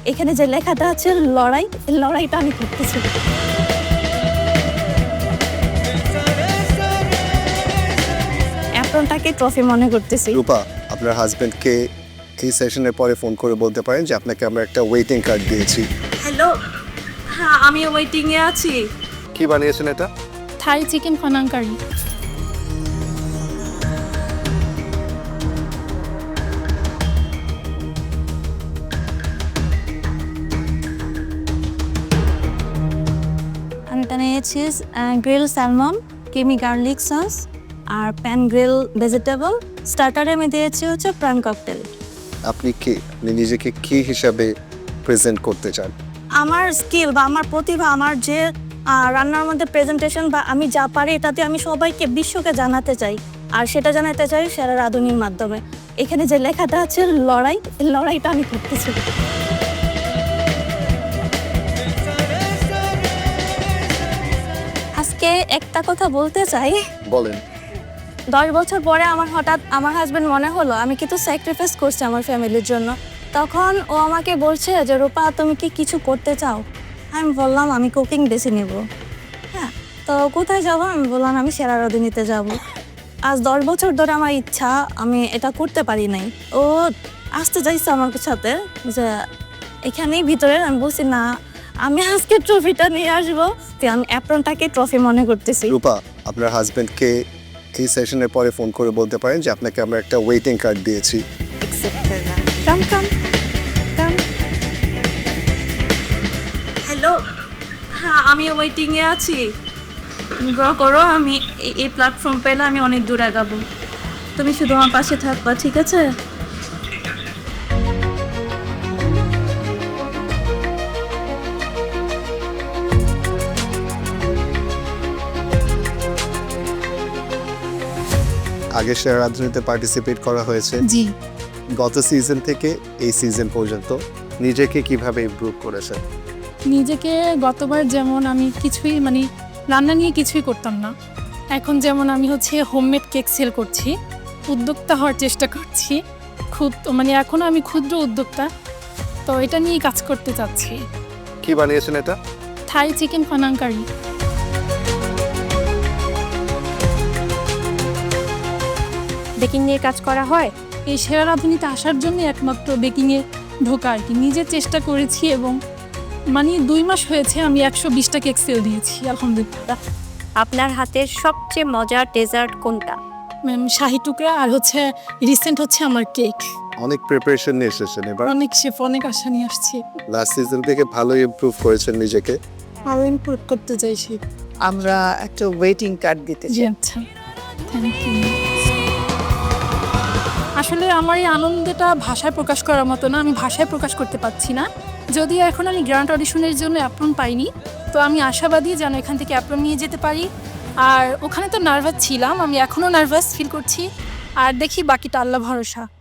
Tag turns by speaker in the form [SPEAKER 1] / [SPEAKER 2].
[SPEAKER 1] এখানে যে লেখাটা আছে লড়াই, এই লড়াইটা আমি করতেছি। অ্যাপ্রনটাকে ট্রফি মনে করতেছি।
[SPEAKER 2] রূপা, আপনার হাজবেন্ডকে এই সেশনের পরে ফোন করে বলতে পারেন যে আপনাকে আমরা একটা ওয়েটিং কার্ড দিয়েছি।
[SPEAKER 1] হ্যালো, হ্যাঁ আমি ওয়েটিংয়ে আছি।
[SPEAKER 2] কি বানিয়েছেন এটা?
[SPEAKER 3] Thai chicken panang curry.
[SPEAKER 1] আমি বানিয়েছি grill salmon, creamy garlic sauce আর প্যান গ্রিল ভেজিটেবল। স্টার্টারে আমি দিয়েছি হচ্ছে প্রাণ ককটেল।
[SPEAKER 2] আপনি কি নিজেকে কি হিসাবে প্রেজেন্ট করতে চান?
[SPEAKER 1] আমার স্কিল বা আমার প্রতিভা, আমার যে রান্নার মধ্যে প্রেজেন্টেশন বা আমি যা পারি এটাতে আমি সবাইকে বিশ্বকে জানাতে চাই। আর সেটা জানাতে চাই সেরা রাঁধুনির মাধ্যমে। এখানে যে লেখাটা আছে লড়াই, এই লড়াইটা আমি করতেছি। আজকে একটা কথা বলতে চাই।
[SPEAKER 2] বলেন।
[SPEAKER 1] 10 বছর পরে আমার হঠাৎ আমার হাজবেন্ড মনে হলো আমি কিন্তু স্যাক্রিফাইস করছি আমার ফ্যামিলির জন্য। তখন ও আমাকে বলছে যে রূপা তুমি কি কিছু করতে চাও? আমি বললাম আমি কুকিং বেছে নেব। হ্যাঁ, তো কোথায় যাবো? আমি বললাম আমি সেরা রাঁধুনিতে যাব। আজ 10 বছর ধরে আমার ইচ্ছা, আমি এটা করতে পারি নাই। ও আসতে চাইছে আমার সাথে যে এখানেই ভিতরে। আমি বলছি না, আমি আজকে ট্রফিটা নিয়ে আসবো। তো আমি অ্যাপ্রনটাকে ট্রফি মনে করতেছি।
[SPEAKER 2] রূপা, আপনার হাজবেন্ডকে এই সেশনের পরে ফোন করে বলতে পারেন যে আপনাকে আমরা একটা ওয়েটিং কার্ড দিয়েছি।
[SPEAKER 1] কাম কাম কাম। হ্যালো, হ্যাঁ আমি ওয়েটিংয়ে আছি। গ্রহ করো, আমি এই প্ল্যাটফর্ম পেলে আমি অনেক দূর আগাবো। তুমি শুধু আমার পাশে থাকবা, ঠিক আছে?
[SPEAKER 2] আগে সেরা রাঁধুনিতে পার্টিসিপেট করা হয়েছে।
[SPEAKER 3] জি,
[SPEAKER 2] গত সিজন থেকে এই সিজন পর্যন্ত নিজেকে কিভাবে ইমপ্রুভ করেছেন?
[SPEAKER 3] নিজেকে গতবার যেমন আমি কিছুই রান্না নিয়ে কিছুই করতাম না, এখন যেমন আমি হোমমেড কেক সেল করছি, উদ্যোক্তা হওয়ার চেষ্টা করছি। এখনও আমি ক্ষুদ্র উদ্যোক্তা, তো এটা নিয়েই কাজ করতে চাচ্ছি।
[SPEAKER 2] কি বানিয়েছেন এটা?
[SPEAKER 3] থাই চিকেন ফানাং কারি। বেকিং নিয়ে কাজ করা হয়। এই সেরা রাঁধুনিতে আসার জন্য একমাত্র বেকিংয়ে ঢোকা আর কি। নিজে চেষ্টা করেছি এবং 2 মাস হয়েছে আমি 120টা কেক সেল দিয়েছি, আলহামদুলিল্লাহ।
[SPEAKER 4] আপনার হাতের সবচেয়ে মজার ডেজার্ট কোনটা?
[SPEAKER 3] শাহি টুকরা আর রিসেন্ট আমার কেক।
[SPEAKER 2] অনেক প্রিপারেশন নিয়ে এসেছেন এবার।
[SPEAKER 3] অনেক শেফ, অনেক আশা নিয়ে আসছি।
[SPEAKER 2] লাস্ট সিজন থেকে ভালো ইমপ্রুভ করেছেন নিজেকে।
[SPEAKER 3] আরও ইমপ্রুভ করতে চাইছি।
[SPEAKER 5] আমরা একটা ওয়েটিং কার্ড দিতে
[SPEAKER 3] জি
[SPEAKER 5] চাই।
[SPEAKER 3] আচ্ছা, থ্যাংক ইউ। আসলে আমার এই আনন্দটা ভাষায় প্রকাশ করার মতো না, আমি ভাষায় প্রকাশ করতে পারছি না। যদিও এখন আমি গ্র্যান্ড অডিশনের জন্য অ্যাপ্রন পাইনি, তো আমি আশাবাদী যেন এখান থেকে অ্যাপ্রন নিয়ে যেতে পারি। আর ওখানে তো নার্ভাস ছিলাম, আমি এখনও নার্ভাস ফিল করছি। আর দেখি বাকিটা আল্লাহ ভরসা।